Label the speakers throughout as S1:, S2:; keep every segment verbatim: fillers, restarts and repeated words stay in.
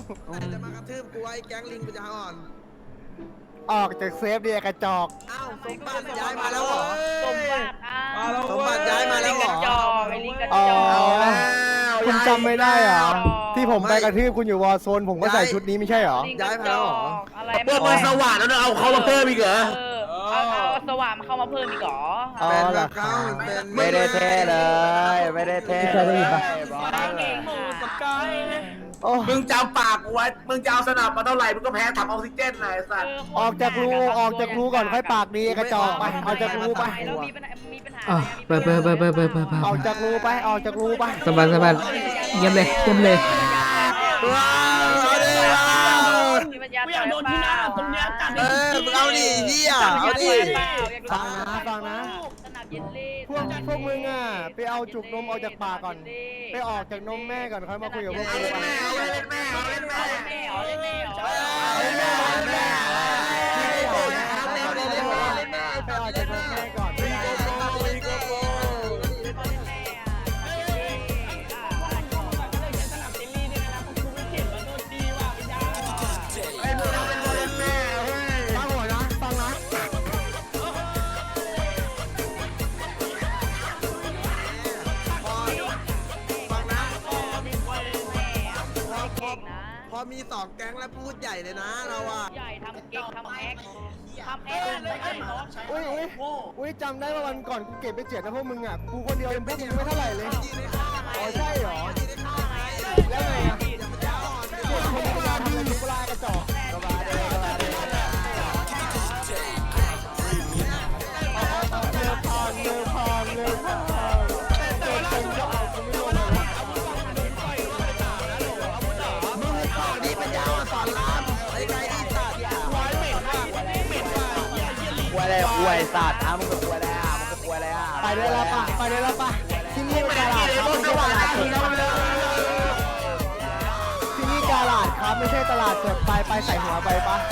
S1: จะมากระทืบกูไอ้แก๊งลิงกูจะอ่อน
S2: ออกจากเซฟเดียกระจอก
S1: อ้าวสมบัติย้ายมาแล้วเหรอ
S3: สมบัติอ้าว
S1: สมบัติย้ายมาแล้วเหรอ
S3: ลิงกระจอกไอ้ลิงกระจ
S2: อ๋อ
S3: อก
S2: คุณจำไม่ได้เหรอที่ผมไปกระทืบคุณอยู่วอร์โซนผมก็ใส่ชุดนี้ไม่ใช่เหรอ
S1: ย้ายมาแล้วเหรอ
S3: อะไร
S4: เปิดมาสว่างแล้วเอาเขามาเพิ่มอีกเหรอ
S3: เออเอาเอาสว่านมาเข้ามาเพิ่มอีกเหรอ
S2: อ๋อ
S1: เป็น
S2: เหร
S1: แบ
S2: อบ
S1: เก้าเป็น
S2: ไม่ได้เท่เลยไม่ได้เท่เลยโอ้
S4: มึงจำปากกูไว้มึงจะเอาสนับมาเท่าไหร่มึงก็แพ้ถังออกซิเจนนายสัตว์
S2: ออกจากรูออกจากรูก่อนค่อยปากดีกระจอกไปออกจากรูไป
S3: แล้วมีปัญหามีปัญหา
S5: อ่ะไปไปไปไปไปไปไป
S2: ออกจากรูไปออกจากรูไป
S5: สบายสบายเยี่ยมเลยเยี่ยมเลย
S1: ว้าวเอาดิว้าว
S3: มีปัญญาอยากโดนที่หน้าตรงเนี้ยจัด
S1: เออมึงเอาดิเฮียเอาดิ
S2: ฟังนะฟังนะ
S3: สนามเยลลี่
S2: พวกพวกมึงอ่ะไปเอาจุกนมออกจากปากก่อนไปออกจากนมแม่ก่อนค่อยมาคุยกับพวกกูไป
S4: แม่เอาเล่นแม่เอาเล่นแม่
S3: แม่เหรอแม่เหรอ
S1: เล่นแม่เล่นแม่
S2: ไปออกจากนมแม่ก่อน ฟังหัวนะฟังนะฟังนะพอมีสองแก๊งแล้วพูดใหญ่เลยนะเราอ่ะ
S3: ใหญ่ทำเก่งทำแอคทำแอคเลยเนาะ
S2: อุ้ยอุ้ยอุ้ยจำได้ว่าวันก่อนกูเก็บไปเจ็ดนะพวกมึงอ่ะกูคนเดียวยังพวกมึงไม่เท่าไหร่เลยอ๋อใช่เหรอแล้วไงอ่ะเจ็ดคนเวลาดีเวลากระจอกก็มาเด้ก็มาเด้เร็วพอนเร็วพอนเร็วพอนเจ็ดคนก็เอากูไม่ลงเลยมึงต่อดีปัญญาสอนรามไอ้ไก่ดีสัตว์ร้อยเหม็นว่ะเหม็นว่ะ
S6: กลัวอะไรกลัวไอ้สัตว์อ่ะมึงก็กลัวอะไรอ่ะมึงก็กลัวอะไรอ่ะ
S2: ไปได้แล้วป่ะไปได้แล้วป่ะที่นี่กาลาดครับไม่ใช่ตลาดสดที่นี่กาลาดครับไม่ใช่ตลาดสดไปไปใส่หัวไปป่ะ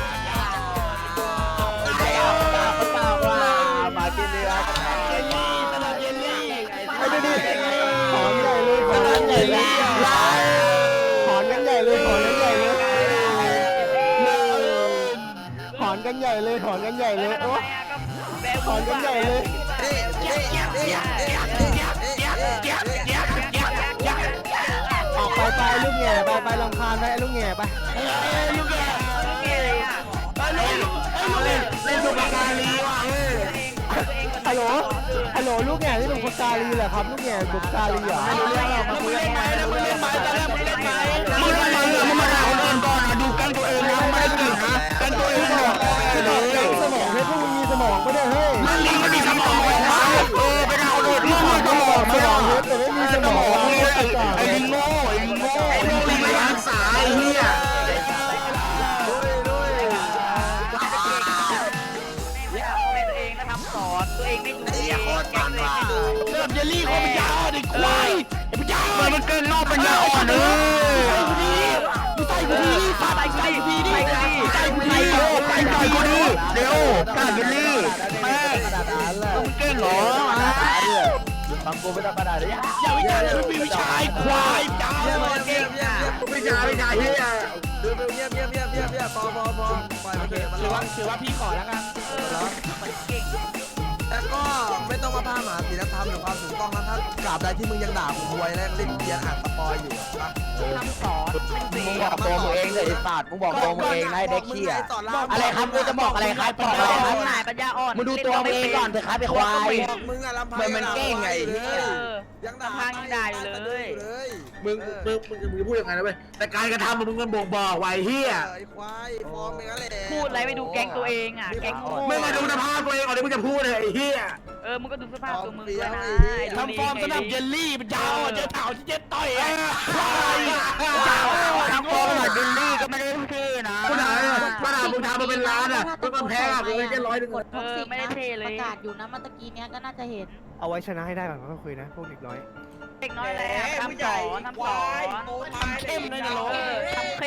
S6: ไอ้เอาตาตาว่ามากินเนื้อ
S2: ไอ้ดูดิถอนใหญ่เลยถอนกันใหญ่เลยถอนกันใหญ่เลยถอนกันใหญ่เลยถอนกันใหญ่เลยถอนกันใหญ่เลยโอ้ถอนกันใหญ่เลยออกไปไปลูกแง่ไปไปลำคาญไปลูกแง่ไปลูกแง่ลูกแง่ไปลูกเล่นเล่นสุภาลีว่ะฮัลโหลฮัลโหลลูกแง่นี่เป็นคนกาลีเหรอครับลูกแง่บุกกาลีเหรอไม่รู้เรื่องหรอกมาคุยกันไหมมึงเล่นไหมตอนแรกมึงเล่นไหมมึงเล่นไหมมึงมาด่าคนอื่นก่อนดูกันตัวเองนะไม่ได้เก่งนะกันตัวเองบอกสมองให้พวกมึงมีสมองไม่ได้เฮ้ยมันลิงมันมีสมองเลยนะเออไปด่าคนอื่นมึงมีสมองสมองเยอะแต่ไม่มีสมองไอ้ลิงโง่ไอ้ลิงโง่ไอ้ลิงไม่รักษาไอ้เหี้ย
S3: ตัวเองนะทำสอนตัวเองไม่ดูโคตรมันว่ะ
S4: เริ่มเยลลี่เขาเป็นยาเด็กควายไอ้เป็นยามันเกินนอกเป็นยาอ่อนเลยมึงใส่กูดีมึงใส่กูดีใส่กูดีดิใส่กูดีใส่กูดีเร็วกาเยลลี่แม่มึงเก่งเหรอ
S6: ฟังกูไม่ต้องกระดาษเลย
S4: อย่าวิจารณ์มึงมีวิชาควายยา
S1: เยี่ยมเยี่ยมเยี่ยม
S4: วิชาวิชาเฮีย
S1: ดูดูเยี่ยมเยี่ยมเยี่ยมเยี่ยมเยี่ยมพอพอพอปล่อยมันเถอะมันร้อน
S4: ถือว่าพี่ขอแล้วกัน
S3: มันเก่ง
S1: แต่ก็ไม่ต้องมาพาหมาศีลธรรมหรือความถูกต้องนะถ้ากราบใดที่มึงยังด่ากูควยและเล่นเกียร์อ่านสปอยอยู่นะ
S3: ทำสอนเป็นเสี
S6: มึง
S3: ย
S6: บอกตัวมึงเองเลยไอ้สัตว์มึงบอกตัวมึงเองนะไอ้เด็กขี้อ่ะอะไรครับกูจะบอกอะไรครับบอกอะไรครับ
S3: หายปัญญาอ่อน
S6: มึงดูตัวมึงเองก่อนเถอะครับไอ้ควาย
S1: บอกมึงอะลำพัง
S6: มันมันเก่งไง
S1: ยังด่า
S3: พังยังด่าอยู่เลย
S4: มึงมึงมึงมึงพูดยังไงนะเว้ยแต่การกระทำมึงมันบ่งบอกไว้เฮีย
S1: ไอ้ควายฟอร์มเป็นอะไร
S3: พูดอะไรไม่ดูแก๊งตัวเองอ่ะแก๊งโง่
S4: ไม่มาดูสภาพตัวเองก่อนที่มึงจะพูดเลยไอ้เฮีย
S3: เออมึงก็ดูสภาพตัวมึงด้วยนะ
S4: ทำฟอร์มสนับเยลลี่เป็นยาวเจอเต่าที่เจ๊ต่อยไอ้ทำฟอร์มสนับเยลลี่ก็ไม่ได้เท่นะกูถามกูถามมึงทำมาเป็นล้านอ่ะมึงก็แพ้อ่ะมึงแค่ร้อยหนึ่ง
S3: เออไม่ได้เทเล
S7: ป
S3: ย
S7: ระกาศอยู่นะเมื่อตะกี้เนี้ยก็น่าจะเห็น
S2: เอาไว้ชนะให้ได้ก่อนค่อยคุยนะพวกเด็กน้อย
S3: เด็กน้อยแล้วทำสอนทำสอนทำเข้มเลยนะทำเข้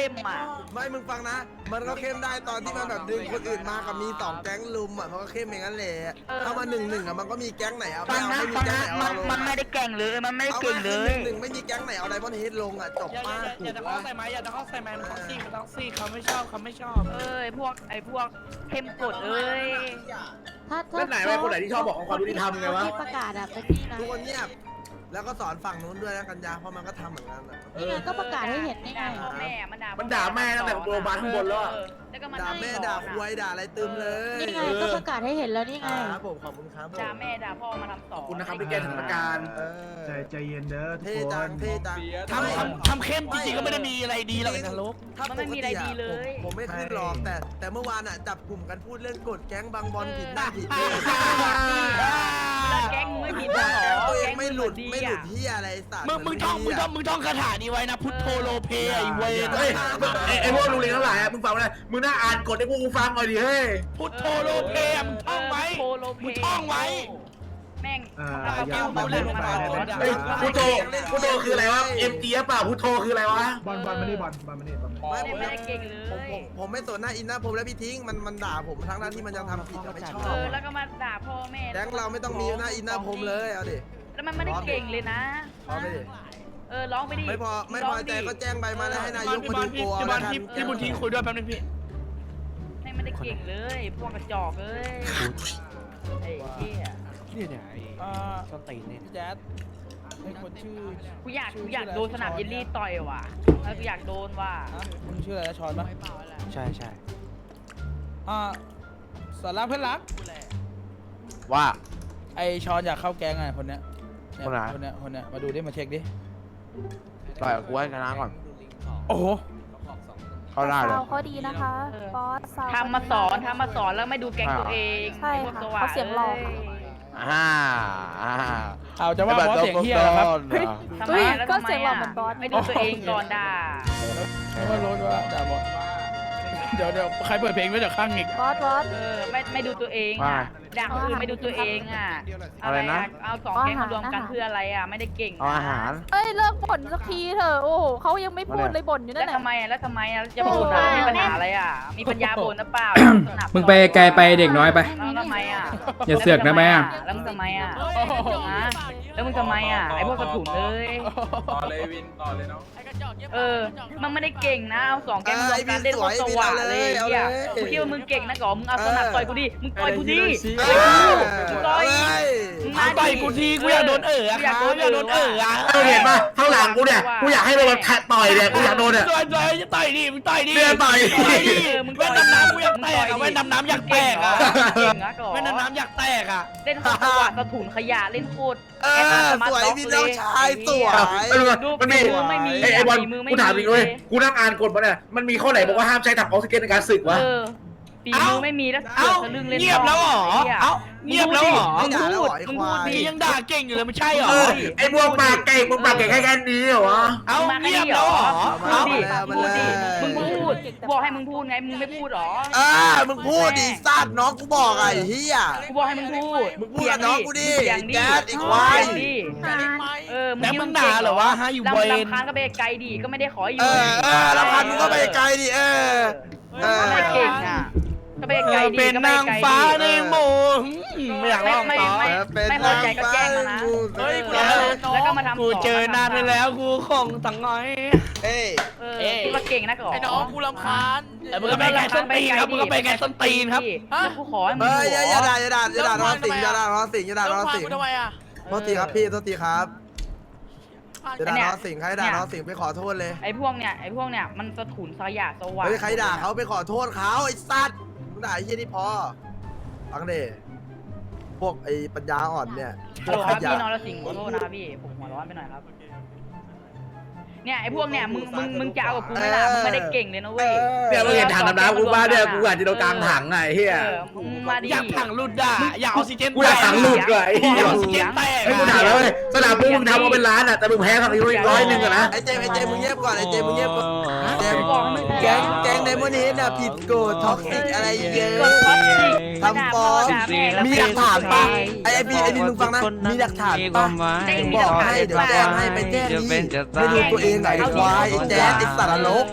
S3: เข้มอ่ะ
S1: ไม่มึงฟังนะ มันก็เข้มได้ตอนที่มันแบบดึงคนอื่นมากับมีสองแก๊งลุมอ่ะมันก็เข้มอย่างนั้นแหละถ้ามาหนึ่งหนึ่งอ่ะมันก็มีแก๊งไหนเอา
S3: ฟั
S1: ไม่
S3: ง
S1: เอา
S3: นะ
S1: ไม่มี
S3: ฟัง
S1: แก๊ง
S3: นะ
S1: ไหนเอา
S3: มัน
S1: ลง
S3: มันไม่ได้เก่งเลยมันไม่ได้
S1: เอา
S3: เก่ง
S1: มา
S3: เล
S1: ห
S3: ย
S1: นึ่งหนึ่งไม่มีแก๊งไหนเอาไดมอนด์เฮดลงอ่ะจบ
S2: อย่า
S1: ป้า
S2: อ
S1: ถู
S2: ย่าก จะเข้า
S1: ว่า
S2: ใส่ไม้อย่าจะเข้าใส่ไม้มันท็อกซี่มันท็อกซี่เขาไม่ชอบเขาไม่ชอบ
S3: เอ้ยพวกไอ้พวกเข้มกดเอ้ย
S7: ถ้าถ้า
S6: แล้วไหนวะคนไหนที่ชอบบอกของความยุติธรรมไงวะ
S7: ที่ประกาศอะเป็นนี่นะ
S1: ทุกคนเงียบแล้วก็สอนฝั่งนู้นด้วยนะกัญญาเพราะมันก็ทำเหมือนกันอ่ะ
S7: นี่ไงก็ประกาศให้เห็นนี่ไง
S3: ด่าพ่อแม่มันด่า
S6: มันด่าแม่ตั้งแต่โรงพยาบาลข้างบนแล้วอะ
S3: แล้วก็มา
S1: ด่าแม่ด่าควยด่าอะไรตึมเลย
S7: นี่ไงก็ประกาศให้เห็นแล้วนี่ไง
S1: ครับผมขอบคุณครับผม
S3: ด่าแม่ด่าพ่อมาทำต่อ
S6: ขอบคุณนะครับที่แก้สถานการณ์
S1: เออ
S8: ใจใจเย็นเด้อทุก
S1: เท่
S8: ค
S1: จัง
S8: น
S1: เท่จัง
S2: ทำทำทำเข้มจริงๆก็ไม่ได้มีอะไรดีหรอกไอ้นรก
S1: ถ้าปกติอะผมผมไม่ขึ้นหรอกแต่แต่เมื่อวานอ่ะจับกลุ่มกันพูดเรื่องกฎแก๊งบางบอลผิดหน้าผิดเลข
S3: แล้วแก๊งมึงไม่ผิดหรอ
S1: แก๊งตัวเองไม่หลุด
S3: ดี
S1: ไม่หลุ
S3: อ่ะ
S1: ดที่อะไรสัตว์
S2: มึงมึงท่องมึงท่องมึงท่องคาถานี้ไว้นะพุทโธโลเพไอ้เวร
S6: เฮ้ยไอ้ไอ้พวกลุงเลี้ยงทั้งหลายอะมึงฟังไว้เลยมึงน่าอ่านกฎให้พวกกูฟังหน่อยดิเฮ้ย
S2: พุทโธโลเพอะมึงท่องไว้
S3: โพโลเพ
S2: มึงท่องไว้
S3: แม่ง
S8: อ่า
S3: เอา
S8: อย่า
S3: เมา
S8: อย่า
S3: เล่น
S8: พูด
S3: มา
S8: ไป
S3: ต่อ
S8: นะ
S6: เฮ้ยพุทโธพุทโธคืออะไรวะเอ็มจีเปล่าพุทโธคืออะไรวะ
S8: บอลบอลมานี่บอลบอลมานี่บอลมานี่
S1: ไม่ผม
S3: ไม่ได้เก่งเล
S1: ผม
S3: ย
S1: ผมผมไม่สนหน้าอินหน้าผมและพี่ทิ้งมันมันด่าผมทั้งนั้นที่มันยังทำผิดอะไม่ชอ
S3: เอบ อแล้วก็มาด่าพ่อแม่
S1: แก๊งเราไม่ต้องมีหน้าอินหน้าผมเลยเอาดิ
S3: แล้วมันไม่ได้เก่งเลยนะ
S1: พอไปดิ
S3: เออร้องไปดิ
S1: ไม่พอไม่พอใจก็แจ้งใบมาแล้วให้นายก
S2: พี่
S1: มา
S2: บอ
S1: ดู
S2: ลพี่
S1: ตัว
S2: พี่บอล
S1: แล้วกัน
S2: พี่พี่บุญทิ้งคุยด้วยแป๊บนึงพี่
S3: แม่งไม่ได้เก่งเลย พวกกระจอกเอ้ยไอ้เหี้ย
S2: นี่เนี่ยไอ้ส้นตีนเนี่ยแจ๊ดไอ้คนชื่อ
S3: กูอยากกูอยากโดนสนามเยลลี่ต่อยว่ะเออกูอยากโดนว่ะ
S2: มึงชื่ออะไรนะชอนปะใช่ใช่อ่าสอนรักเพื่อนรัก
S6: ว่า
S2: ไอชอนอยากเข้าแก๊งไงคนเนี้ยเย
S6: คนไหน
S2: คนเนี้ยคนเนี้ยมาดูดิมาเช็คดิ
S6: ต่อยกูให้ชนะก่อน
S2: โอ้โห
S6: เข้าได้เลย
S9: ซาวเขาดีนะคะ บอสซาว
S3: ทำมาสอนทำมาสอนแล้วไม่ดูแก๊งตัวเอง
S9: ใช่
S3: ไอ้พวก
S9: ค่ะ
S3: สว่าง
S9: เขาเสียงหล่อค่ะ
S6: อ่าอ่า
S2: เอาจะว่าบอสเสียงเฮียนะครับ
S3: ทำไม
S9: เฮ้ย
S3: แล้ว
S9: ก็
S3: ทำไม
S9: เสียงหล่อ
S3: อ่ะ
S9: เหมือนบอส
S3: ไม่ดูตัวเองก่อนด่า
S2: ไม่ว่ารู้ว่าด่าบอสเดี๋ยวเดี๋ยวใครเปิดเพลงไว้จากข้างอีก
S9: บอสบอส
S3: เออไม่ไม่ดูตัวเองอ่ะด่าคนอื่นไม่ดูตัวเองอ่ะ
S6: อะไรนะ
S3: เอาสองแก๊งมารวมกันเพื่ออะไรอ่ะไม่ได้เก่ง
S6: เอาอาหาร
S9: เอ้ยเลิกบ่นสักทีเถอะโอ้โหเขายังไม่พูดเลยบ่นอยู่
S3: แล้
S9: นั่
S3: วน
S9: แหละ
S3: ทำไมอ่ะแล้วทำไมอ่ะจะบ่นอ่ะมีปัญหาอะไรอ่ะมีปัญญาบ่นหรือเปล่า
S5: มึงไปไกลไปเด็กน้อยไป
S3: แล้วทำไมอ่ะ
S5: อย่าเสือกนะแม่อะ
S3: แล้วมึงทำไมอ่ะฮะแล้วมึงทำไมอ่ะไอ้พวกกระถุนเลย
S2: ต่อเลยวินต่อเลยน้อง
S3: เออ มันไม่ได้เก่งนะเอาสองแก๊งมารวมกันเล่นโคตรสว่างเลยเฮียกูคิดว่ามึงเก่งนะก่อมึงเอาสนับต่อยกูดิมึงต่อยกูดิ
S1: เอ
S3: ต่อยกู
S1: อ
S3: มึงต่อย
S1: เอ้ย
S3: มึง
S2: มา
S3: มา
S2: ต่อยกูทีกูอยากโดนเอ๋ออะครับอยากโดนเอ๋ออะ
S6: เออเห็นป่ะข้างหลังกูเนี่ยกูอยากให้โดนแทะต่อยเนี่ยกูอยากโดนเนี่ย
S2: ต่อยต่อยจะต่อยดิมึงต่อยดิ
S6: เรียกต่อย
S2: ต่อยดิ
S3: เออมึง
S2: แว่นดำน้ำกูอยากแตกอะแว่นดำน้ำอยากแตกอะ
S3: เก่งนะก่อ
S2: แว่นดำน้ำอยากแตกอะ
S3: เล่นโคตรสว่างกระถุนขยะเล่นโคตร
S1: เออสวยพี่น้องชายสวย
S6: เออมันมี
S3: มือไม่มี
S6: ไอ้ไอ้บอล
S3: มือไม่
S6: กูถามจริงเลย
S3: มี
S6: กูนั่งอ่านกฎมาเนี่ยมันมีข้อไหนบอกว่าห้ามใช้ถังออกซิเจนในการศึกวะ
S3: เออปีมือไม่มีแล้ว
S2: เอ้า
S3: ทะลึ่งเล่น
S2: เงียบแล้วเหรอเอ้าเงียบแล้วเหรอ
S3: มึงพูดมึงพูดดิ
S2: พี่ยังด่าเก่งอยู่เลยไม่ใช่เหรอ
S6: เออไอ้พวกปากเก่งมึงปากเก่งแค่แค่นี้เหรอวะ
S2: เอ้า
S3: มาแค่
S2: เงียบ
S3: นี้เหร
S2: แล้ว
S3: อ
S2: เหรอ
S3: พูดดิ
S1: เอามา
S3: พูดดิ
S1: เลย
S3: มึงพูดบอกให้มึงพูดไงมึงไม่พูดหรอ
S1: เออมึงพูดดิสัตว์น้องกูบอกไอ้เหี้ย
S3: กูบอกให้มึงพูด
S1: มึงพูดกับน้องกูดิ
S3: เสียงดิ
S1: แจ๊ดไอ้ควาย
S3: เสีงดิเออ
S2: แล้วมึงด่าเหรอวะฮะอยู่
S3: ลำ
S2: เวร
S3: ลำคาญก็ไปไกลดิก็ไม่ได้ขออยู่
S1: เออเออแล้วพันมึงก็ไปไกลดิเออเออ
S3: ก็ไม่เก่งอ่ะก็ไปไกลดิ
S2: เป็น
S3: ก็ไป
S2: นาง
S3: ไกลดิ
S2: ฟ้าในหมู่ไม่อยาก
S3: ไม่
S2: ร้อง
S3: ไม่
S2: ต่อ
S3: ไม่ไม่พอใจก็แจ้งมานะ
S1: เฮ้ย
S3: เออแล้วก็มาทำ
S2: กูเจอนานไปแล้วกูคงตั้งน้อย
S1: เอ้ย
S3: เออคิดว่าเก่งนะก่อน
S2: ไอ้น้องกูรำคาญเออมึงก็ไปไงส้นตีนครับมึงก็ไปไงส้นตีนครับ
S3: แล้วกูขอให้มึง
S1: เฮ้ย
S3: หัว
S1: อย่าด่าอย่าด่าอย่าด่าน้องสิงอย่าด่าน้องสิงอย่าด่าน้องสิง
S2: ทำไมอ่ะ
S1: โทษทีครับพี่โทษทีครับอย่าด่าน้องสิงใครด่าน้องสิงไปขอโทษเลย
S3: ไอ้พวกเนี่ยไอ้พวกเนี่ยมันสะถุนสยะสว่าง
S1: เฮ้ยใครด่าเขาไปขอโทษเขาไอ้สัตว์มึงด่าไอ้เหี้ยนี่พอฟังดิพวกไอ้ปัญญาอ่อนเนี่ยพ
S3: ฮัล
S1: ว
S3: โห
S1: ก
S3: ล
S1: ข
S3: ครับ
S1: ยะ
S3: พี่นรสิงห์ขอโทษนะครับพี่ผมหัวร้อนไปหน่อยครับเนี่ยไอ้พวกเนี่ยมึงมึงมึงจะเอากับกูไหม่ล่ะมึงไม่ได้เก่งเลยนะเว้ย
S6: เนี่ยมึงเห็นถังน้ำน้ำกูบ้าเนี่ยกูอาจจะโดนกลางถังไงเฮีย
S3: เออมึงมาดิ
S2: อยากถังหลุดอ่ะอยากออกซิเจน
S6: กูอยากถังหลุดด้วยไอ้เหี้ย
S2: อยากออกซิเจนแตก
S6: ไอ้กูถามแล้วเลยสนามพวกมึงทำมาเป็นล้านอ่ะแต่มึงแพ้ฝั่งนี้อีกร้อยหนึ่งอะนะ
S1: ไอ้เจมส์ไอ้เจมส์มึงเงียบก่อนไอ้เจมส์มึงเงียบก่อนเจมส์
S3: บอกให้มึง
S1: แก๊งแก๊งไดมอนด์เฮดน่ะผิดกฎท็อกซิกอะไรเยอะ
S3: กดท็อปสิ
S1: ทำฟ้อง
S3: ด่าแม่แล้ว
S1: มีหลักฐานปะไอ้ไอ้พี่ไอ้พี่มึงฟังนะมีหลักฐานปะบอกให้เดี๋ยวแจ้งให้ไปแจ้งนี่ไม่รู้ตัวเองไหนควายไอ้แจ๊ดไอ้สารลก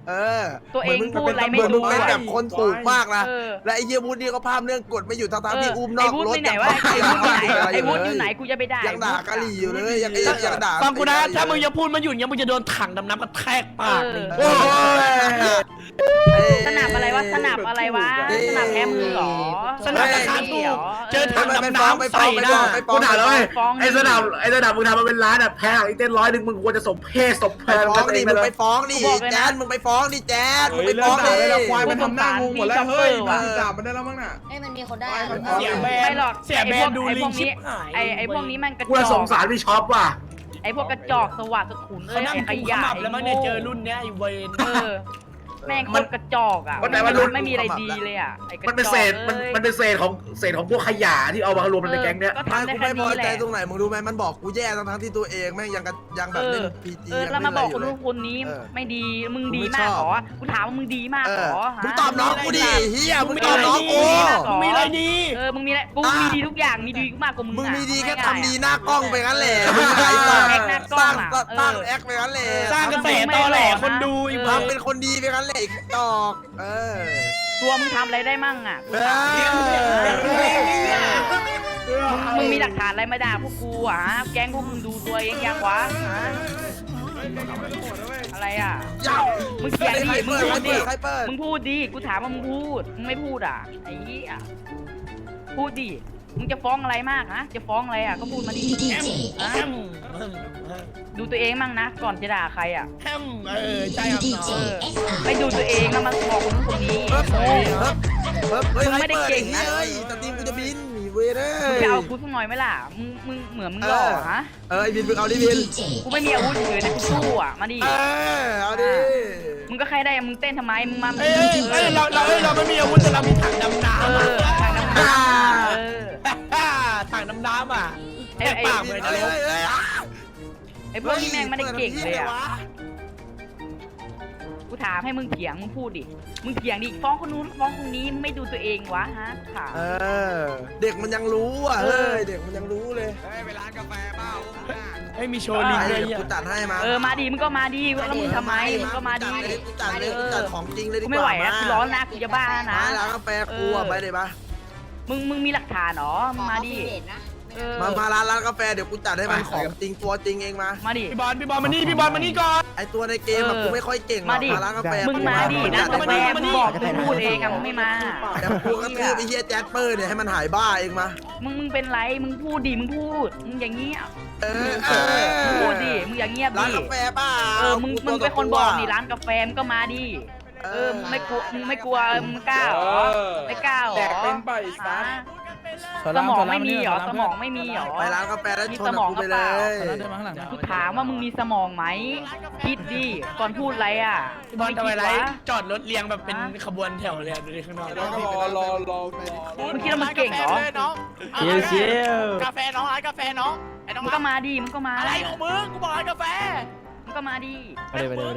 S1: เออ
S3: ตัวเอง
S1: หมืน
S3: พูดอะไรไม่
S1: เหมือนมึง
S3: รู้
S1: เป็น
S3: อะ
S1: แบบคนถูกมากนะ
S3: เออ
S1: และไอ้เหี้ยวุฒินี่ก็ภาพเรื่องกฎไม่อยู่ทั้งๆที่อุ้มน
S3: ไอ้
S1: อก
S3: วุฒิ
S1: รถ
S3: ไปไหนวะไอ้วุฒิอยู่ไหนไอ้วุฒิอยู่ไหนกูจะไปด่า
S1: ยังด่ากะหรี่อยู่เลยยังยังยังด่า
S4: ฟังกูนะถ้ามึงจะพูดมาหยุดเนี่ยมึงจะโดนถังดำน้ำกระแทกปากเลย
S1: โอ้ย
S3: สนับอะไรวะสนับอะไรวะสนับแพ้มือเหรอ
S4: สนับราคาถูกเจอถังดำน้ำใส่หน้า
S1: กูด่าแล้ว
S3: ฟ้อง
S2: ไอ้สนามไอ้สนามมึงทำมาเป็นร้านอ่ะแพงอีเต้นร้อยหนึ่งมึงควรจะสมเพศสมเพ
S1: ไป
S2: ศ
S1: ฟ้องดิมึงไปฟ้องดิแจ๊ดมึงไปฟ้องดิแจ๊ดมึงไปฟ้องดิ
S3: ควายมันทำหน้างงหมดแล้วเฮ้ย
S8: ด่ามันได้แล้วมั้งน่ะ
S7: เอ้ยมันมีคนได้
S4: เสียแบ
S3: ไม่
S4: น
S3: หรอก
S4: เสียแบนดูลิงชิบหาย
S3: ไอ้ไอ้พวกนี้มันกระจ
S2: กูจะส
S3: อง ก
S2: สารพี่ช็อปว่ะ
S3: ไอ้พวกกระจอกสวัสดิ์สขุนเอ้
S4: เขา
S3: ย
S4: นั่ง
S3: ไอ้ข
S4: กุมข
S3: ยะ
S4: มับ
S3: ไอ้
S4: แล้วมั้งเนี่ยเจอรุ่นเนี้ยไอ้เวน
S3: เออแม่งคนกระจอกอ่ะไม่มีอะไรดีเลยอ่ะไอ้กระจอก
S2: มันเป็นเศษมันมันเป็นเศษของเศษของพวกขยะที่เอามารวมในแก๊งเนี้ย
S3: ก็
S1: ไม่
S3: ทำได้
S1: กู
S3: แค่
S1: ไม่พอ
S3: นี้แห
S1: ใจ
S3: ละ
S1: ตรงไหนมึงรู้ไหมมันบอกกูแย่ทั้งๆที่ตัวเองแม่งยังยังแบบเล่นพีจี
S3: เออแล้วมาบอกคนนู้นคนนี้ไม่ดีมึงดีมากหรอกูถามว่ามึงดีมากหรอ
S1: มึงตอบน้องกูดิเฮียมึงตอบน้องกู
S4: มึงมีอะไรดี
S3: เออมึงมีอะไรกูมีดีทุกอย่างมีดีมากกว่ามึง
S1: มึง
S3: อ่ะ
S1: มีดีแค่ทำดีหน้ากล้องไปงั้นแหละมึงไอ้ต่อสร้างสร้างแอคไปงั้นแหละ
S4: สร้างกระแสตอแหลคนดูอีก
S1: ทำเป็นคนดีไปงั้นแหละอีกดอกเออ
S3: ตัวมึงทำอะไรได้มั่งอ่ะกูถาม มึงมีหลักฐานอะไรมาด่าพวกกูอ่ะแก๊งพวกมึงดูตัวเองยังวะอะไรอ่ะมึงเขียนดิมึงพูดดิมึงพูดดิกูถามว่ามึงพูดมึงไม่พูดอ่ะไอ้ยี่อ่ะพูดดิมึงจะฟ้องอะไรมากฮะจะฟ้องอะไรอ่ะก็พูดมาดิดูตัวเองมั่งนะก่อนจะด่าใครอ่ะ
S4: แฮมเออใช่ครับ
S3: เออไม่ดูตัวเองนะมันบอกคนนู้นคนนี้
S1: เฮ้ยเฮ้ยไม่ได้เก่งนะเฮ้ยสตรีมกูจะบินหนีเว้ยเด้
S3: มึงจะเอากูสักหน่อยไหมล่ะมึงมึงเหมือนมึงหล่อฮะ
S1: เออไอ้บินมึงเอาดิบิน
S3: กูไม่มีอาวุธเฉยนะกูสู้อ่ะมาดิ
S1: เออเอาดิ
S3: มึงก็แค่ได้มึงเต้นทำไมมึงมา
S4: เอ้ยเอ้ยเราเราเราไม่มีอาวุธแต่เรามีถังดำน้
S3: เออทางน้ำตาเออ
S4: ำถังดำน้ำอ่ะ
S3: ไอ้ไอ้
S4: ปากเลยนะ
S3: ไอ้พวกนี้แม่งไม่ได้เก่งเลยอ่ะกูถามให้มึงเถียงมึงพูดดิมึงเถียงดิฟ้องคนนู้นฟ้องคนนี้มึงไม่ดูตัวเองวะฮะถาม
S1: เออเด็กมันยังรู้อ่ะเฮ้ยเด็กมันยังรู้เลย
S4: เฮ้ยมีโชว์ลิงด้วย
S1: เดี๋ยวกูจัดให้มา
S3: เออมาดิมึงก็มาดิแล้วมึงทำไมมึงก็มาดิ
S1: กูจัดเลยกูจัดของจริงเลยดี
S3: กู
S1: กว่า
S3: ไม่ไหวนะกูร้อนนะกูจะบ้านะ
S1: มาแล้วกาแฟกูอ่ะไปเลยปะ
S3: มึงมึงมีหลักฐานเหรอมึงมาดิเออ
S1: มามาร้านร้านกาแฟเดี๋ยวกูจัดให้มันของจริงตัวจริงเองมา
S3: มาดิ
S4: พี่บอลพี่บอลมานี่พี่บอลมานี่ก่อน
S1: ไอตัวในเกมอะกูไม่ค่อยเก่งหรอก
S3: มาดิ
S1: มาร้านกาแฟ
S3: มึงมาดิร้านกาแฟมึงบอกมึงพูดเองอะมึงไม่มา
S1: แต่กูก็ตื้อไอ้เฮียแจ๊ดเปอร์เนี่ยให้มันหายบ้าเองมา
S3: มึงมึงเป็นไรมึงพูดดิมึงพูดมึงอย่างเงี้ย
S1: เออเออ
S3: มึงพูดดิมึงอย่างเงียบ
S1: ร้าน
S3: ดิ
S1: กาแฟเปล่า
S3: เออมึงมึงเป็นคนบอกดิร้านกาแฟมึงก็มาดิเออมึงไม่กลัวมึงไม่กลัวมึงกล้าเหรอไม่กล้าเหรอแตกเป็นไปสมองไม่มีเหรอสมองไม่มีเหรอ
S1: ไปร้านกาแฟแล้ว
S3: มี
S1: ช
S3: ส
S1: น
S3: มอง
S1: กู
S3: ก็
S1: ไป
S3: เป
S1: เล
S3: ล่าย กูถามว่ามึงมีสมองไหมคิดดิก่อนพูดอะไรอ่ะ
S4: พี่บอลทำไมไร
S3: คิดวะ
S4: จอดรถเรียงแบบเป็นขบวนแถวเลยดูดิข้างนอก
S3: มึงคิดว่ามึงเก่งเหรอ
S2: เชียวเชียว
S4: กาแฟน้องร้านกาแฟน้องไอ้น้อง
S3: มึงก็มาดิมึงก็มา
S4: อะไรของมึงกูบอกร้านกาแฟ
S3: มึงก็มาดิ
S2: ไปเลยไปเลยไปเลย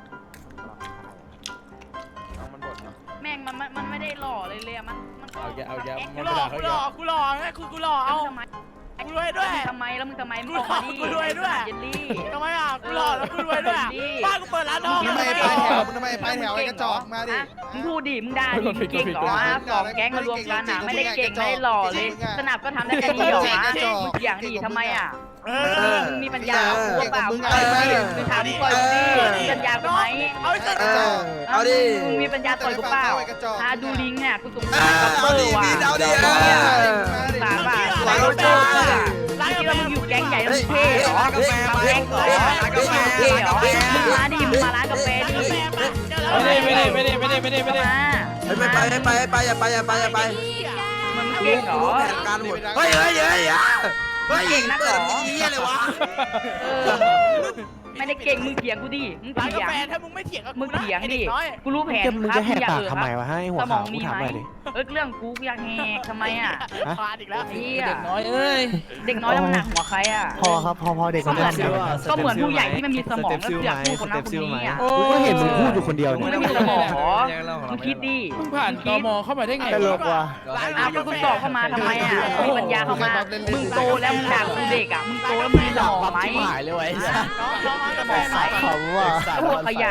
S3: แม่งมันมันมันไม่ได้หล่อเลยเลยอะมันมันก็
S2: เอาแกเอาแก
S4: กูหล่อกูหล่อกูหล่อไงกูกูหล่อเอา
S3: ทำไม
S4: กูรวยด้วย
S3: ทำไมแล้วมึงทำไมมึงออกมาดิ
S4: กูรวยด้วย
S3: เยลลี่
S4: ทำไมอ่ะกูหล่อแล้วกูรวยด้วยบ้านกูเปิดร้านทอง
S3: มึง
S4: ทำไม
S3: ไม่
S4: อ่ะ
S3: ไปแถวมึงทำไมไปแถวไอ้กระจอกมาดิมึงพูดดิมึงด่าดิมึงเก่งเหรอฮะสองแก๊งมารวมกันอ่ะไม่ได้เก่งไม่ได้หล่อเลยสนับก็ทำได้แค่นี้เหรอฮะมึงเถียงดิทำไมอ่ะ
S4: เอ
S3: เอ
S4: อ
S3: อมึงมีปัญญากูเปล่ามึงต่อยดิมึงถามมึงต่อยกูดิมึงปัญญากูไหม
S4: เอาไป
S1: เออเอาดิ
S3: มึงมีปัญญาต่อยกูเปล่าหาดูลิงเนี่ยกูสง
S1: เอ
S3: สาร
S1: อ
S3: กับเบอ
S1: เอาดิ
S3: ร์ว่ะ
S1: บินเอาดิเอ
S3: เนี่ย
S1: อ
S3: สารป่ะ
S1: สวย
S3: เจอ
S1: มาก
S3: อ่ะมึงคิดว่ามึงอยู่แก๊งใหญ่แล้วมึงเท่เหรอแก๊งเหรอมึงเท่เหรอมึงมาดิมึงมาร้านกาแฟดิ
S4: ไม่ได้ไม่ได้ไม่ได้ไม่ได้ไม่ได้ไม่ได้
S3: มา
S1: ไปไปไปไปอย่าไปอย่าไปอย่าไป
S3: มึง
S1: กู
S3: เก่งเหร
S1: รู้
S3: อ
S1: แผนการหมดเฮ้ยเฮ้ยเฮ้ยเฮ้ย
S3: เก่งนักเหรอ
S1: เปิดนี้เลยวะ
S3: เออไม่ได้เก่งมึงเถียงกูดิมึง
S4: ร้าน
S3: เถี
S4: กาย
S3: ง
S4: แฟถ้ามึงไม่เถียงกับ
S3: มึ
S4: กู
S3: ง
S4: นะ
S3: เถียง
S4: ไอ้
S3: ดิ
S4: เด็กน้อย
S3: กูรู้แผน
S2: มึงจะแหกปากทำไมวะให้หัว
S3: สม
S2: ขา
S3: อ
S2: ว
S3: งมี
S2: กูถาม
S3: ไหม
S2: หน่อยดิ
S3: เออเรื่องกูอยากแหกทำไมอ่ะ
S4: พลาดอีกแล้ว
S3: ไอ้เหี้ย
S4: เด็กน้อยเอ้ย
S3: เด็กน้อยแล้วมันหนักหัวใครอ่ะ
S2: พอครับพอพอเด็ก
S3: ก็เหมือน
S2: เดียว
S3: ก็เหมือนผู้ใหญ่ที่มันมีสมองแล้วเสือกพูดคนนั้นคนนี้อ่ะ
S2: กูก็เห็นมึงพูดอยู่คนเดียว
S3: มึง
S2: เนี่ย
S3: ไม่มีสมองเหรอมึงคิดดิ
S4: มึงผ่านตมเข้ามาได้ไง
S2: ตลกว่ะ
S3: อ้าวกูสอบเข้ามาทำไมอ่ะมีปัญญาเข้ามามึงโตแล้วมึงด่ากูเด็กอ่ะมึงโตแล้วมึงมีสมองไหม
S2: หายเลยไว้
S4: น้องน้องร้านกาแฟ
S3: สมองไหม
S2: ขำว่ะ
S3: ไอ้พวกขยาย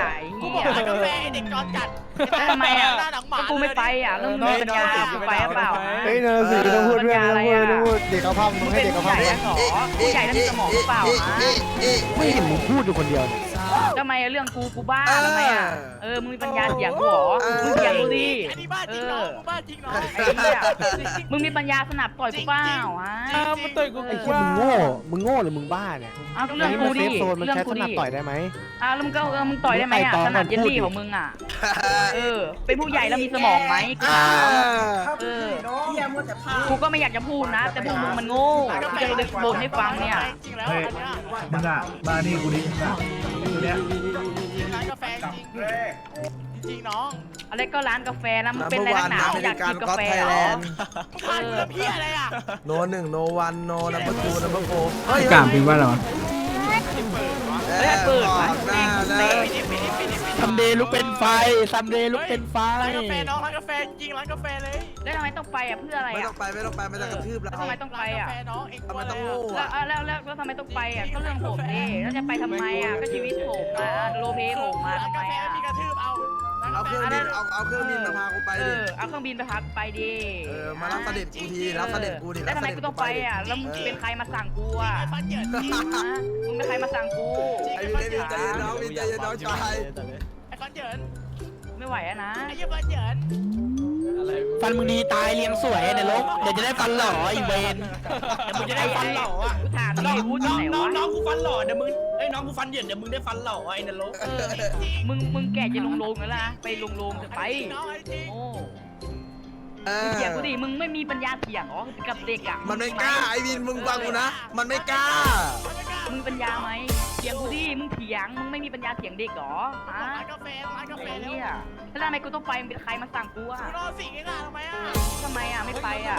S3: หี้
S4: บอก
S3: ย
S4: ร้านกาแฟเด็กจอนจัด
S3: แล้วทำไมอ่ะ
S4: หน้าหนังหมา
S3: ก็กูไม่ไปอ่ะแล้วมึงมีปัญญากูไปหรือเปล่า
S2: เฮ้ยเนอร์สีต้องพูดด้วยต้องพูดต้องพูดเด็กเขาพัง
S3: มึ
S2: มึ
S3: ง
S2: งให้
S3: เป็น
S2: เด็กเขา
S3: ผู้
S2: พั
S3: ให
S2: ง
S3: ญ่แล้วเหรอผู้ใหญ่แล้วมีสมองหรือเปล่าฮะ
S2: ไม่เห็นมึงพูดอยู่คนเดียวเนี่ย
S3: ทำไมเรื่องกูกูบ้าทำไมอ่ะเออมึงมีปัญญาเถียงกูเหรอมึงเถียงกูดิ
S4: อันนี้บ้าจริงน้องบ้าจริงน้อง
S3: ไอ้เหี้ยมึงมีปัญญาสนับต่อยกูเปล่าฮะ
S4: มันต่อยกู
S2: ไอ้เหี้ยมึงโง่มึงโง่หรือมึงบ้าเนี่ย
S3: เอาเรื่องกู
S2: เซ
S3: ดิ
S2: ฟโซนมัน
S3: เรื่อง
S2: ใช้
S3: กู
S2: สนั
S3: ดิ
S2: บต่อยได้ไหม
S3: อ้าวแล้วมึงก็เออมึงต่อยได้ไหมอ่ะ
S2: ไต่ตอง
S3: ขนาด
S2: ก่อน
S3: เยล
S2: พูด
S3: ลี่
S2: ดิ
S3: ของมึงอ่ะเออเป็นผู้ใหญ่แล้วมีสมองไหมกูถามเออกูก็ไม่อยากจะพูดนะ แต่พวกมึงมันโง่กูจะเลยบ่นให้ฟังเนี่ย
S4: จริงแล้ว
S8: เฮ้ย
S4: อันเนี้ย
S8: มึงอ่ะมานี่กูดิมึงอ่ะตัวเนี้ย
S4: ร้านกาแฟจริงจริงน้อง
S3: อะไรก็ร้านกาแฟนะมึง
S1: นัม
S3: เป็น
S1: เบอ
S3: อะไร
S1: ร์
S3: นั
S1: วัน
S3: กหนา
S1: อเม
S3: อยา
S1: ริ
S3: ก
S1: กัน
S3: กินกา
S1: ก็
S3: แฟ
S1: ไทย
S3: เหร
S1: แล
S3: อน
S1: ด์
S4: ผ่านเพื่อพี่อะไรอ่ะ
S1: โนหนึ่งโนวันโนนัมเบอร์ทูนัมเบอร์โฟเฮ้ย
S5: พี่กามพิมพ์ว่าอะไรวะ
S3: เฮ้ยเปิด
S1: บ
S3: วะ
S1: อกหน้านะ
S4: ปิดดิปิดดิปิดดิปิดดิ
S2: ซัมเดย์ลุกเป็นไฟซัมเดย์ลุกเป็นไฟ
S4: ร้านกาแฟน้องร้านกาแฟจริงร้านกาแฟเลย
S3: แล้วทำไมต้องไปอ่ะเพื่ออะไร
S1: ไม่ต้
S3: อ่ะ
S1: องไปไม่ต้องไปไม่ต้องกระทืบเรา
S3: แล้วทำไมต้องไปอ่ะ
S4: ร้านกาแฟน้องเองกลัว
S1: ทำไม
S4: อะไร
S1: ต้อง
S4: อ่ะ
S1: โง่
S3: แล้ว
S1: อะ
S3: แล้วแล้วแล้วทำไมต้องไปอ่ะก็เรื่องผมดิแล้วจะไปทำไมอ่ะก็ชีวิตผมอ่ะโลเพผมมา
S4: ร้าน
S3: ทำไม
S4: กาแฟ
S3: อ่ะ
S4: มีกระทืบเอา
S1: เอาเครื่องบินเอาเอาเครื่องบินมาพากูไป
S3: เอ
S1: ดิ
S3: อเอาเครื่องบินไปพักไปดิ
S1: เออมารับเสด็จกูทีรับเสด็จกูดิ
S3: แล้วทำไมกูต้องไปอ่ะแล้วมึงเป็นใครมาสั่งกูอ่ะ
S4: ฟันเหยินจริง
S3: ฮะมึงเป็นใครมาสั่งกู
S1: ไอ้วินไอ้วินใจเย็นน้องวินใจเย็นน้องชาย
S4: ไอ้ฟันเหยิน
S3: ไม่ไหวอะนะ
S4: ไอ้ยี่ฟันเหยิน
S2: ฟันมึงดีตายเลี้ยงสวยในลกเดี๋ยวจะได้ฟันหล่ออีเวนเดี๋ยวมึงจะได้ฟันหล่ออ่ะ
S3: กูถามดิพูดที่ไหนวะ
S2: น้องกูฟันหล่อเดี๋ยวมึงเอ้ยน้องกูฟันเหยินเดี๋ยวมึงได้ฟันหล่อไอ้นรก
S3: เออมึงมึงแก่จะลงโลงแล้วนะไปลงโลงจะไป
S4: น้องไอ้จริง
S3: โอ้
S1: เอ
S3: มึง
S1: อ
S3: เถียงกูดิมึงไม่มีปัญญาเถียงเหรอกับเด็กอ่ะ
S1: มันไม่กล้าไอ้วินมึงฟังกูนะมันไม่กล้า
S3: มึงปัญญาไหมเถียงกูดิมึงเถียงมึงไม่มีปัญญาเถียงเด็กเหรอฮะ
S4: ร้านกาแฟร้านกาแฟ
S3: ไอ้
S4: แล้ว
S3: เหี้ยแล้วทำไมกูต้องไปมึงเป็นใครมาสั่งกูอ่ะ
S4: กูรอสิ่งนี้ล่ะทำไมอ่ะ
S3: ทำไมอ่ะไม่ไปอ่ะ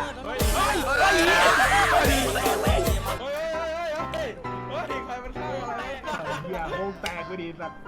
S8: เหี้ยโคงแตกไปดีสัตว์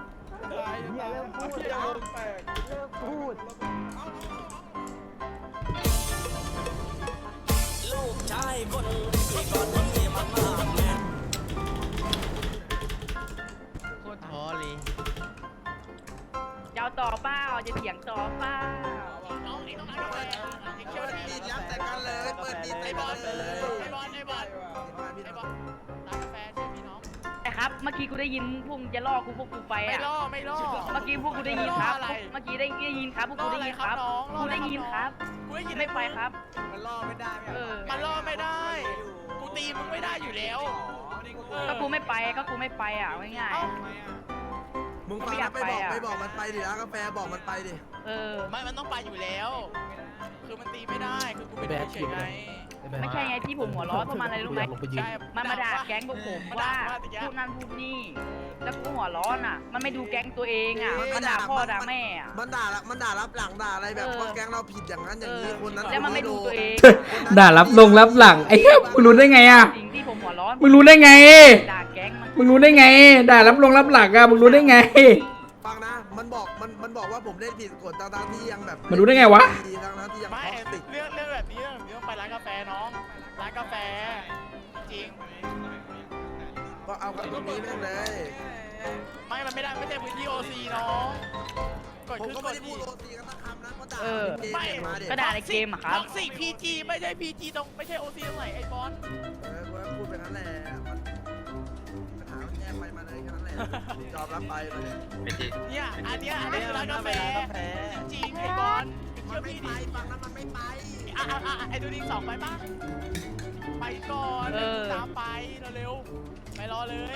S3: จะเอาต่อเปล่าจะเถียงต่อเปล่า
S4: น้องไอ้น้องร้านกาแฟไอ้เชี่
S1: เปิ
S4: ยว
S1: ด
S4: นี่
S1: มีดยับแต่กันเลยเปิดมีด
S4: ไอ้
S1: แต่
S4: บ
S1: กั
S4: อน ล
S1: เลย
S4: ไอ้บอลไอ้บอลไอ้บอลร้านกาแฟใช่พี่น้อง
S3: แต่ครับเมื่อกี้กูได้ยินพวกมึงจะล่อกูพวกกูไป
S4: ไม่
S3: อ่ะ
S4: ล่อไม่ล่อ
S3: เมื่อกี้พวกกูได้ยินครับ เมื่อกี้ได้ได้ยินครับพวกกูได้ยินครับกูได้ยินครับ
S4: กูได้ยิน
S3: ไม่ไปครับ
S6: มันล่อไม่ได้
S3: เออ
S4: มันล่อไม่ได้ กูตีมึงไม่ได้อยู่แล้ว
S3: ก็กูไม่ไปก็กูไม่ไปอ่ะง่าย
S1: มึงฟังนะไปบอกไปบอกมันไปดิร้านกาแฟบอกมันไปดิ
S3: ๆเออ
S4: ไม่มันต้องไปอยู่แล้ว คือมันตีไม่ได้ คือกูเป็นเฉยไง
S3: ไม่ใช่ไงที่ผมหัวร้อนเพราะมันอะไรรู้ไหม
S4: ใช่
S3: มันมาด่าแก๊งพวกผมว่าพูดนั่นพูดนี่แล้วกูหัวร้อนอ่ะ มันไม่ดูแก๊งตัวเองอ่ะมันด่าพ่อด่าแม่อ่ะ
S1: มันด่าละมันด่ารับหลังด่าอะไรแบบ
S3: เออ
S1: ว่าแก๊งเราผิดอย่างนั้นอย่างนี้คนนั้น
S3: แล้วมันไม่ดูตัวเอง
S5: ด่ารับลงรับหลังไอ้เหี้ยมึงรู้ได้ไงอ่ะ
S3: สิ่งที่ผมหัวร้อน
S5: มึงรู้ได้ไง
S3: ด่าแก๊งมัน
S5: มึงรู้ได้ไง ด่ารับลงรับหลังอ่ะมึงรู้ได้ไง
S1: ฟังนะ มันบอกมันมันบอกว่าผมเล่นผิดกฎต่างๆที่ยังแบบ
S5: มันรู้ได้ไงวะ
S1: ทั้งๆที่ยัง
S4: ไม่
S1: ท็อกซิก
S4: เรื่องเรื่องแบบนี้เรื่องแบบนี้ต้องไปร้านกาแฟน้อง ร้านกาแฟ จริง
S1: ก็เอากับตรงนี้แม่งเลย
S4: ไม่ มันไม่ได้ไม่ใช่พื้นที่โอซีน้อง กด
S1: ผม
S4: ขึ้น
S1: ก็
S4: ก
S1: ไม่
S4: ด
S1: ได้พู
S4: ที่
S1: ดโรตีกันสักคำนะก็ด่า
S3: เออ
S1: เกม
S4: ไม่
S1: มาเด็
S3: ก็ด่าในเกมอะครับ
S4: ท็อกซิกพีจีไม่ใช่พีจีตรงไม่ใช่โอซีตรงไหนไอ้บอล
S1: เออกูก็พูดไปนั้นแหละมันปัญหามันแก้ไปมาเลยแค่นั้นแหละยอมรับไปมาเลย
S4: เนี่ย อันเนี้ยอันนี้คือร้านกาแฟ จริงๆไอ้บอล
S1: มั
S4: เชื่
S1: น
S4: อ
S1: ไม่
S4: พี่
S1: ไป
S4: ดิ
S1: ฟังนะมันไม่ไป
S4: อ่ะอ่ะอ่ะไอ้ดูดิสองไปปะไปก่อน
S3: เออ
S4: ตามไปเร็วๆไปรอเลย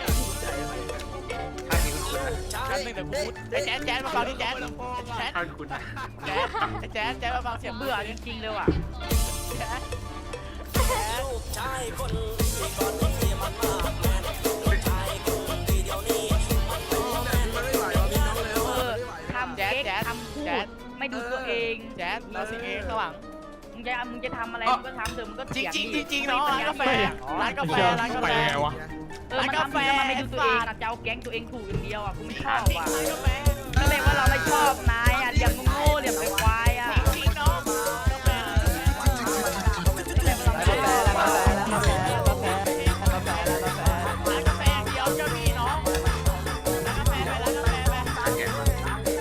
S4: แป๊บนึงเดี๋ยวกูไอ้แจ๊ดแจ๊ดมาฟังที่แจ๊ดแจ๊ดแจ๊ดไอ้แจ๊ดแจ๊ดมาฟังเสียง
S3: เบื่อ
S4: ดิ
S3: จริงๆเลยว่ะ
S4: แจ๊ดแจ๊ด
S1: มันไม่ไหวว่ะพี่น้องเร็ว
S3: เออ
S1: ไม่ไหว
S3: ทำเก๊กทำพูดไม่ดูตัวเอง
S4: แจ๊ดเราสิงเองข้างหลัง
S3: มึงจะมึงจะทำอะไรมึงก็ทำเถอะมึงก็
S4: จริ
S3: เถี
S4: ง
S3: ยง
S4: จริงจริงๆเนาะร้านกาแฟร้านกาแฟร้านกาแฟ
S3: เออมันทำแล้วมันไม่ดูตัวเองอะจะเอาแก๊งตัวเองถูกอย่างเดียวอ่ะกูไม่ชอบว่ะ
S4: ร้านกาแฟ
S3: ก็เลยว่าเราไม่ชอบนายอ่ะเลี้ยงโง่ๆเลี้ยงควายอ่ะ
S4: จริงๆเนาะกาแฟร้านกาแฟเดียวก็มีเนาะร้านกาแฟไปร้านกาแฟไป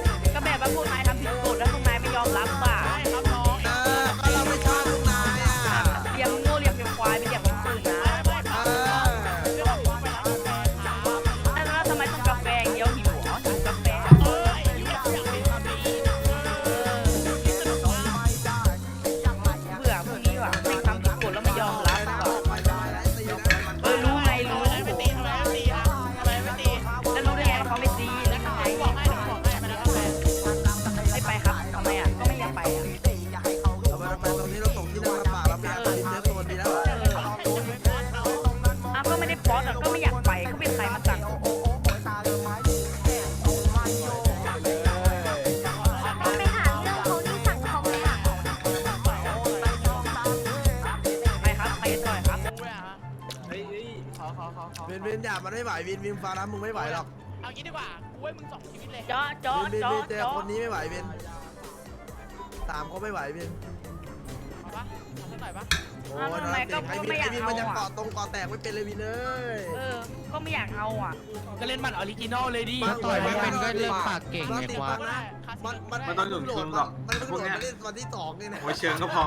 S1: นวินอย่ามันไม่ไหววินวินฟ้าน้ำมึงไม่ไหวหรอก
S4: เอางี้ดีกว่ากูให้มึงสองชีวิตเลย
S3: เจาะเจาะ
S1: วินวิน
S3: เจาะ
S1: วินเจอ
S3: เจาะ
S1: คนนี้ไม่ไหววินสามเขาไม่ไหววิน
S4: เอาปะเอาสักหน่อยปะ
S1: โอ้ย
S3: ทำไมก็
S1: ไอ้
S3: ก็
S1: วิน
S3: ไม่อยา
S1: ไอ้
S3: ก
S1: วิน
S3: เอา
S1: มันยัง
S3: อ่ะ
S1: เกาะตรงเกาะแตกไม่เป็นเลยวินเอ้ย
S3: เออ ก็ไม่อยากเอาอ่ะ
S4: ก็เล่นมันออริจินอลเลยดิ
S1: มาต่อยไม่เป็น
S6: ก็เรื่องปากเก่งไงควา
S1: มันมันมันต้องหนุนชนหรอกมันเพิ่งโหลดมาเล่นวันที่สองนี่นะ
S10: โอ้ยเชิงก็พอ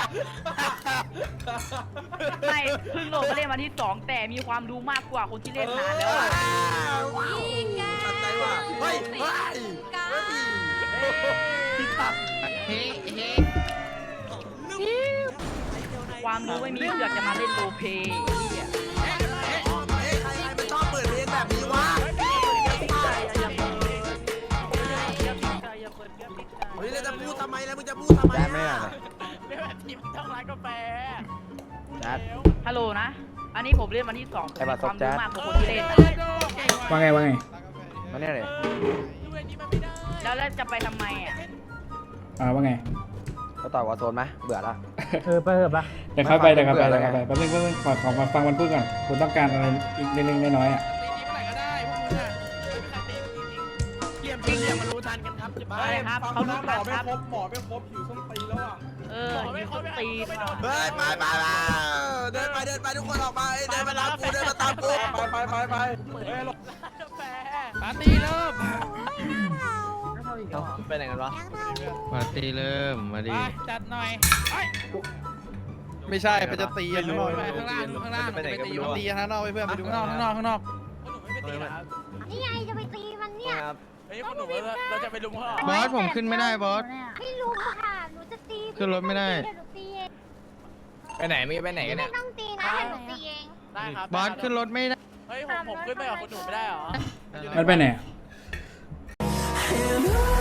S3: ไม่เพิ่งโหลดมาเล่นวันที่สองแต่มีความรู้มากกว่าคนที่เล่นนานแล้วอ่ะ
S1: ตัดใจว่าเฮ้ยเฮ้ยเฮ้ย
S6: เฮ้เฮ้
S3: ความรู้ไม่มีเสือกจะมาเล่นโรลเพลย์ไอ้เหี้ย
S1: เฮ้ยใครใครมันชอบเปิดเพลงแบบนี้วะเฮ้ยแล้วจะพูดทำไมแล้วมึงจะพูดทำไม
S6: แจ๊ดไม่
S1: อ่ะ
S6: อ่ะ
S4: เล่นแบบทีมต้องร้านกาแฟ
S6: แจ๊ด
S3: ฮัลโหลนะ อันนี้ผมเล่นวันที่สอง
S6: ไอ้บัตร
S3: ความ
S6: แจ๊
S3: รู้
S6: ด
S3: มากกว่าคนที่เล่นอะ
S5: ว่าไงว่าไง
S6: มาเนี่ยเลย
S4: ด้วยนี่มันไม่ได้
S3: แล้วแล้วจะไปทำไมอ่ะ
S5: อ่าว่าไง
S6: ก็ต่อยวอโซนไหมเบื่อละ
S8: เออไปเถอะปะ
S5: เดี๋ยวเข้าไปเดี๋ยวเข้าไป
S6: เบื่
S5: เดี๋
S6: อ
S5: ยว
S6: แล้
S5: เข้าว ไป
S6: ไง
S5: แป๊บนึงแป๊บนึงขอขอมาฟังมันพูดก่อนคุณต้องการอะไรอีกเล็กๆน้อยๆอ่ะ
S4: ตีนี้เมื่อไหร่ก็ได้พวกมึงอ่ะเรียมเรียมมารู้ทันกันครับจะ
S3: อะไรครับเขารู้ครับครับ
S8: หมอไม่ครบหิวส้มตีแล้วอ่ะ
S3: เออไม่คนตีนว่ะ
S1: เฮ้ยไปไปไปเดินไปเดินไปทุกคนออกมาเดินมาตามกูเดินมาตามกู
S8: ไปไปไปไปเฮ้ย
S4: กาแฟปาร์ตี้เริ่ม
S6: ไปไหนกันวะ
S2: ปาร์ตี้เริ่มมาดิ
S4: จัดหน่อย
S2: ไม่ใช่ไปจะตีกันข้างนอก
S4: ไปข้างล่างข้างล่าง
S2: ไปไหนกันไม่รู้ตีข้างนอกไปเพื่อนไปดู
S4: ข้างนอกข้างนอกข้างนอกหนูไม่ไปตีครับ
S7: นี่ไงจะไปตีมันเนี่ย
S4: เฮ้ยคุณหนูเราจะไปลุมเขา
S2: บอสผมขึ้นไม่ได้บอส
S7: ไม่รู้ค่ะ หนูจะตี
S2: ขึ้นรถไม่ได้
S7: เดี๋ยวหนูตีเอง
S6: ไปไหนไม่ไปไหนกัน
S7: ไม่
S6: เนี่ย
S7: ต้องตีนะเดี๋ยวหนูตีเอง
S4: ได้ครับ
S2: บอสขึ้นรถไม่ได้
S4: เฮ้ยผมผมขึ้นไปกับคุณหนูไม่ได้เหรอ
S5: มันไปไหนอะ
S1: เ